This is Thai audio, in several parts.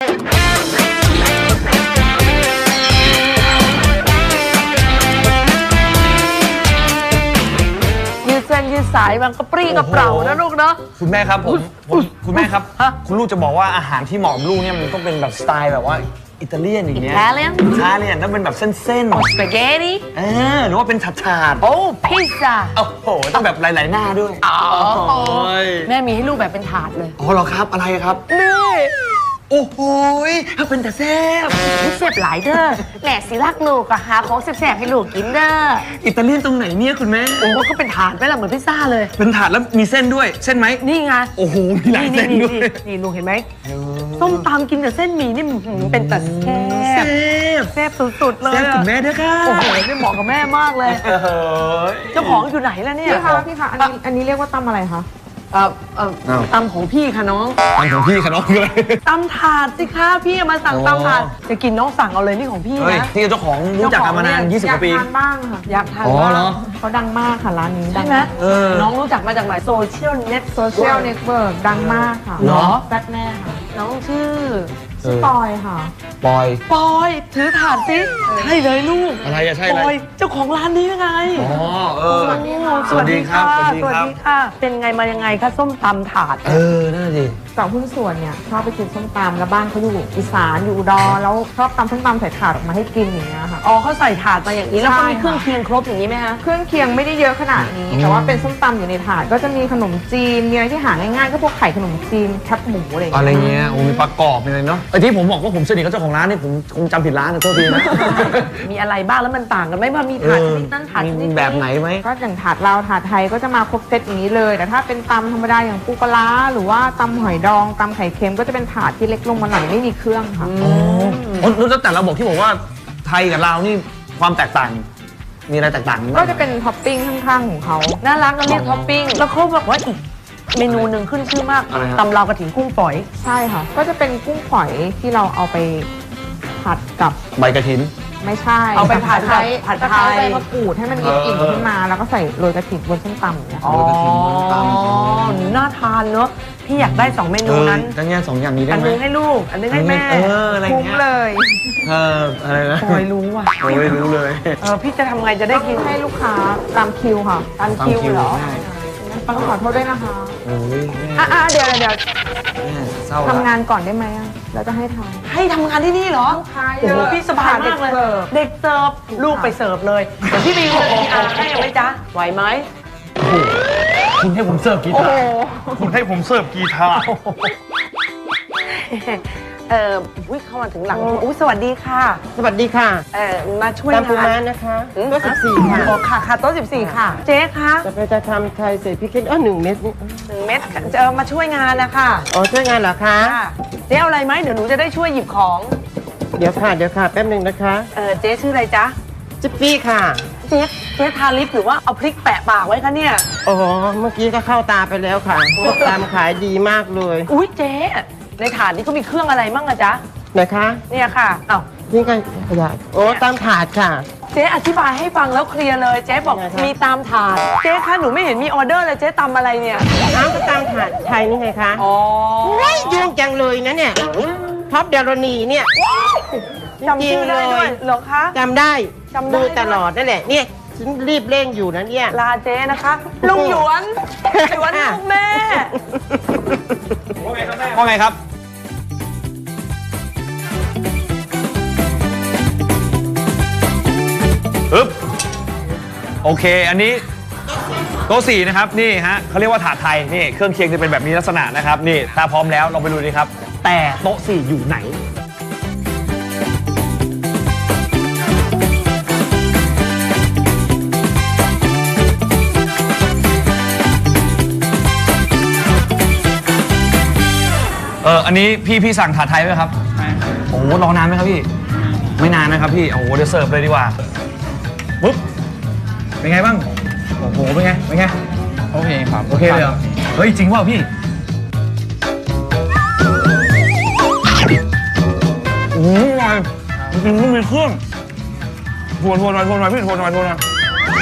ยืดเส้นยืดสายมันกระปรี้กระเปร่านะลูกเนาะคุณแม่ครับคุณแม่ครับคุณลูกจะบอกว่าอาหารที่เหมาะกับลูกเนี่ยมันต้องเป็นแบบสไตล์แบบว่าอิตาเลียนอย่างเงี้ย Italian ต้องเป็นแบบเส้นสปาเกตตี้หรือว่าเป็นถาดโอ้พิซซ่าโอ้โหต้องแบบหลายๆหน้าด้วยแม่มีให้ลูกแบบเป็นถาดเลยอ๋อเหรอครับอะไรครับนี่โอ้โหถ้าเป็นแต่แซ่บแซ่บหลายเด้อแหม่สิรักลูกก็หาของแซ่บๆให้ลูกกินเด้ออิตาเลียนตรงไหนเนี่ยคุณแม่โอ้ก็เป็นถาดไหมล่ะเหมือนพิซซ่าเลยเป็นถาดแล้วมีเส้นด้วยเส้นไหมนี่ไงโอ้โหมีหลายเส้นด้วยนี่ลูกเห็นไหมส้มตำกินแต่เส้นหมี่นี่เป็นแต่แซ่บสุดๆเลยแซ่บคุณแม่ด้วยค่ะโอ้โหนี่เหมาะกับแม่มากเลยเจ้าของอยู่ไหนแล้วเนี่ยพี่คะอันนี้เรียกว่าตำอะไรคะตำของพี่ค่ะน้องตำของพี่ค่ะน้องเลยตำถาดสิคะพี่มาสั่งตำถาดจะกินน้องสั่งเอาเลยนี่ของพี่นะที่เจ้าของรู้จักกันมานาน20 กว่าปีอยากทานบ้างค่ะอยากทานบ้างเขาดังมากค่ะร้านนี้ใช่ไหมน้องรู้จักมาจากไหนโซเชียลเน็ตเวิร์กดังมากค่ะเหรอแป๊ดแม่ค่ะน้องชื่อปอยค่ะปอยถือถาดสิใช่เลยลูกอะไรอะใช่เลยปอยเจ้าของร้านนี้ยังไงสวัสดีค่ะสวัสดีค่ะเป็นไงมายังไงคะส้มตำถาดนั่นสิสาวหุ้นส่วนเนี่ยชอบไปกินส้มตำแล้วบ้านเขาอยู่อีสานอยู่อุดรแล้วชอบตำส้มตำใส่ถาดออกมาให้กินอย่างเงี้ยค่ะอ๋อเขาใส่ถาดมาอย่างนี้แล้วก็มีเครื่องเคียงครบอย่างนี้ไหมคะเครื่องเคียงไม่ได้เยอะขนาดนี้แต่ว่าเป็นส้มตำอยู่ในถาดก็จะมีขนมจีนมีอะไรที่หาง่ายๆก็พวกไข่ขนมจีนแคบหมูอะไรเงี้ยมีประกอบอะไรเนาะไอ้ที่ผมบอกว่าผมสนิทกับเจ้าของร้านนี่ผมคงจำผิดร้านนะโทษทีนะมีอะไรบ้างแล้วมันต่างกันไหมว่ามีถาดชนิดนั้นถาดชนิดแบบไหนไหมก็อย่างถาดลาวถาดไทยก็จะมาครบเซตอย่างนี้เลยแต่ถ้าเป็นตำธรรมดาอย่างปูปลาหรือว่าตำหอยดองตำไข่เค็มก็จะเป็นถาดที่เล็กลงมาหน่อยไม่มีเครื่องค่ะแล้วแต่เราบอกที่บอกว่าไทยกับลาวนี่ความแตกต่างมีอะไรแตกต่างก็จะเป็นท็อปปิ้งข้างๆของเขาน่ารักก็เรียกท็อปปิ้งแล้วเขาบอกว่าอีกเมนูหนึ่งขึ้นชื่อมากตำลาวกระถิ่นกุ้งฝอยใช่ค่ะก็จะเป็นกุ้งฝอยที่เราเอาไปผัดกับใบกระถินไม่ใช่เอาไปผัดไทยใบมะกรูดให้มันมีกลิ่นขึ้นมาแล้วก็ใส่โรยกระถิ่นบนส้มตำเนี่ยอ๋อน่าทานเนอะพี่อยากได้2เมนูนั้นทั้งนี้2อย่างนี้ได้ไหมอันนึงให้ลูกอันนึงให้แม่คุ้มเลยอะไรนะปอยรู้ว่ะปอยรู้เลยพี่จะทำไงจะได้กินให้ลูกค้าตามคิวค่ะตามคิวเหรอปังขอโทษด้วยนะคะโอ้ยเดี๋ยวทำงานก่อนได้ไหมแล้วจะให้ทำงานที่นี่เหรอโอ้โหพี่สบายมากเลยเด็กเสิร์ฟลูกไปเสิร์ฟเลยเดี๋ยวพี่ไปยืนให้ไหมจ๊ะไหวไหมคุณให้ผมเสิร์ฟกีตาร์คุณให้ผมเสิร์ฟกีตาร์เข้ามาถึงหลังสวัสดีค่ะสวัสดีค่ะมาช่วยตามปูม้านะคะโต๊ะ14ค่ะค่ะโต๊ะ14ค่ะเจ๊คะจะทำไทยใส่พริก1 เม็ด 1 เม็ดจะมาช่วยงานนะคะช่วยงานเหรอคะเจ๊เอาอะไรไหมเดี๋ยวหนูจะได้ช่วยหยิบของเดี๋ยวค่ะแป๊บนึงนะคะเจ๊ชื่ออะไรจ๊ะจิ๊บปี้ค่ะเจ๊ทาลิปหรือว่าเอาพริกแปะปากไว้คะเนี่ยเมื่อกี้ก็เข้าตาไปแล้วค่ะตามขายดีมากเลยอุ้ยเจ๊ในถาดนี้ก็มีเครื่องอะไรมั่งอะจ๊ะไหนคะเนี่ยค่ะนี่ไงขยะตามถาดค่ะเจ๊อธิบายให้ฟังแล้วเคลียร์เลยเจ๊บอกมีตามถาดเจ๊คะหนูไม่เห็นมีออเดอร์เลยเจ๊ตำอะไรเนี่ยก็ตามถาดไทยนี่ไงคะยุ่งจังเลยนะเนี่ยท็อปเดลนีเนี่ยจำชื่อได้ด้วยเหรอคะจำได้ดูตลอดนั่นแหละเนี่ยฉันรีบเร่งอยู่นะเนี่ยลาเจ๊นะคะลุงหยวนลูกแม่ว่าไงครับโอเคอันนี้โต๊ะ4นะครับนี่ฮะเขาเรียกว่าถาดไทยนี่เครื่องเคียงจะเป็นแบบนี้ลักษณะนะครับนี่ถ้าพร้อมแล้วลองไปดูดีครับแต่โต๊ะ4อยู่ไหนอันนี้พี่สั่งถาดไทยไหมครับโอ้โหรอนานไหมครับพี่ไม่นานนะครับพี่โอ้โหเดี๋ยวเสิร์ฟเลยดีกว่าปุ๊บเป็นไงบ้างโอ้โหเป็นไงโอเคครับโอเคเลยเหรอเฮ้ยจริงว่าพี่อร่อยจริงๆไม่มีเครื่องทวนหน่อยพี่ทวนหน่อย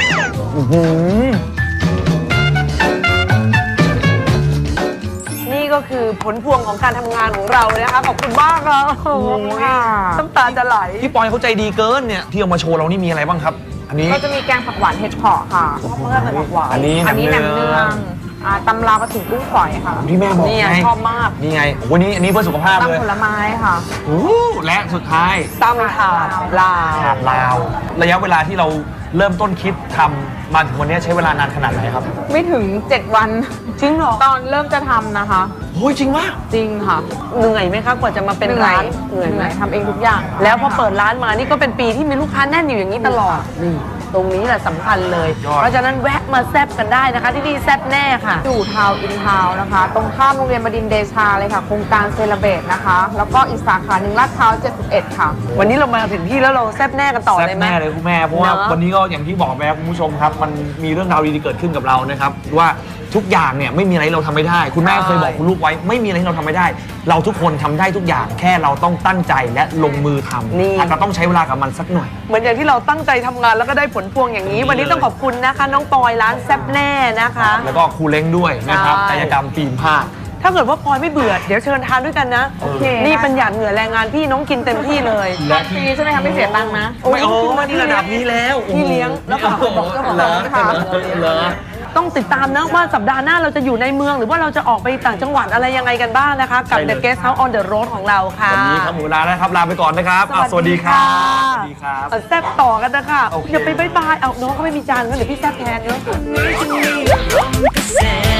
นี่ก็คือผลพวงของการทำงานของเรานะคะขอบคุณมากค่ะโอ้ยน้ำตาจะไหลพี่ปอยเขาใจดีเกินเนี่ยที่เอามาโชว์เรานี่มีอะไรบ้างครับ อันนี้ก็จะมีแกงผักหวานเห็ดเผาะค่ะเพื่อนเป็นผักหวานอันนี้อันนี้แหนมเนืเนืองตำลาวกระถิ่นกุ้งฝอยค่ะที่แม่บอกนี่ไงชอบมากนี่ไงวันนี้อันนี้เพื่อสุขภาพเลยตำผลไม้ค่ะโอ้และสุดท้ายตำถาดลาวถาดลาว ระยะเวลาที่เราเริ่มต้นคิดทำมาถึงวันนี้ใช้เวลานานขนาดไหนครับไม่ถึง 7 วันจริงเหรอตอนเริ่มจะทำนะคะโอ้ยจริงมากจริงค่ะเหนื่อยไหมคะกว่าจะมาเป็นร้านเหนื่อยไหมทำเองทุกอย่างแล้วพอเปิดร้านมานี่ก็เป็นปีที่มีลูกค้าแน่นอยู่อย่างนี้ตลอดนี่ตรงนี้แหละสำคัญเลยยอดเพราะฉะนั้นแวะมาแซบกันได้นะคะ ที่นี่แซบแน่ค่ะอยู่ทาวน์อินทาวน์นะคะ ตรงข้ามโรงเรียนบดินทร์เดชาเลยค่ะ โครงการเซเลเบรตนะคะ แล้วก็อีกสาขาหนึ่งลาดพร้าว71 ค่ะวันนี้เรามาถึงที่แล้วเราแซบแน่กันต่อเลยไหมแซ่บแน่เลยคุณแม่เพราะว่าเนอะวันนี้ก็อย่างที่บอกไปครับคุณผู้ชมครับ มันมีเรื่องราวดีๆเกิดขึ้นกับเรานะครับว่าทุกอย่างเนี่ยไม่มีอะไรเราทำไม่ได้ คุณแม่เคยบอกคุณลูกไว้ไม่มีอะไรที่เราทำไม่ได้ เราทุกคนทำได้ทุกอย่างแค่เราต้องตั้งใจและลงมือทำนี่อาจจะต้องใช้เวลากับมันสักหน่อยเหมือนอย่างที่เราตั้งใจทำงานแล้วก็ได้ผลพวงอย่างนี้ วันนี้ต้องขอบคุณนะคะ น้องปอยร้านแซบแน่นะคะแล้วก็ครูเล้งด้วยนะครับใช่กายกรรมฟิล์มผ้าถ้าเกิดว่าปอยไม่เบื่อเดี๋ยวเชิญทานด้วยกันนะโอเคนี่เป็นหยาดเหงื่อแรงงานพี่น้องกินเต็มที่เลยและฟรีใช่ไหมคะไม่เสียตังค์นะไม่โอ้นี่ระดับนี้แล้วพี่เลี้ยงแล้วก็บอกเจ้าของร้านค่ะเหรอต้องติดตามนะว่าสัปดาห์หน้าเราจะอยู่ในเมืองหรือว่าเราจะออกไปต่างจังหวัดอะไรยังไงกันบ้างนะคะ กับใช่เลย The Guest House on the Road ของเราค่ะวันนี้ครับหมูลาแล้วครับลาไปก่อนนะครับอ่ะสวัสดีครับสวัสดีครับเอาแซบต่อกันนะคะโอเคอย่าไปบายบายเอาน้องเขาไม่มีจานก็เดี๋ยวพี่แซบแทนเนาะ Say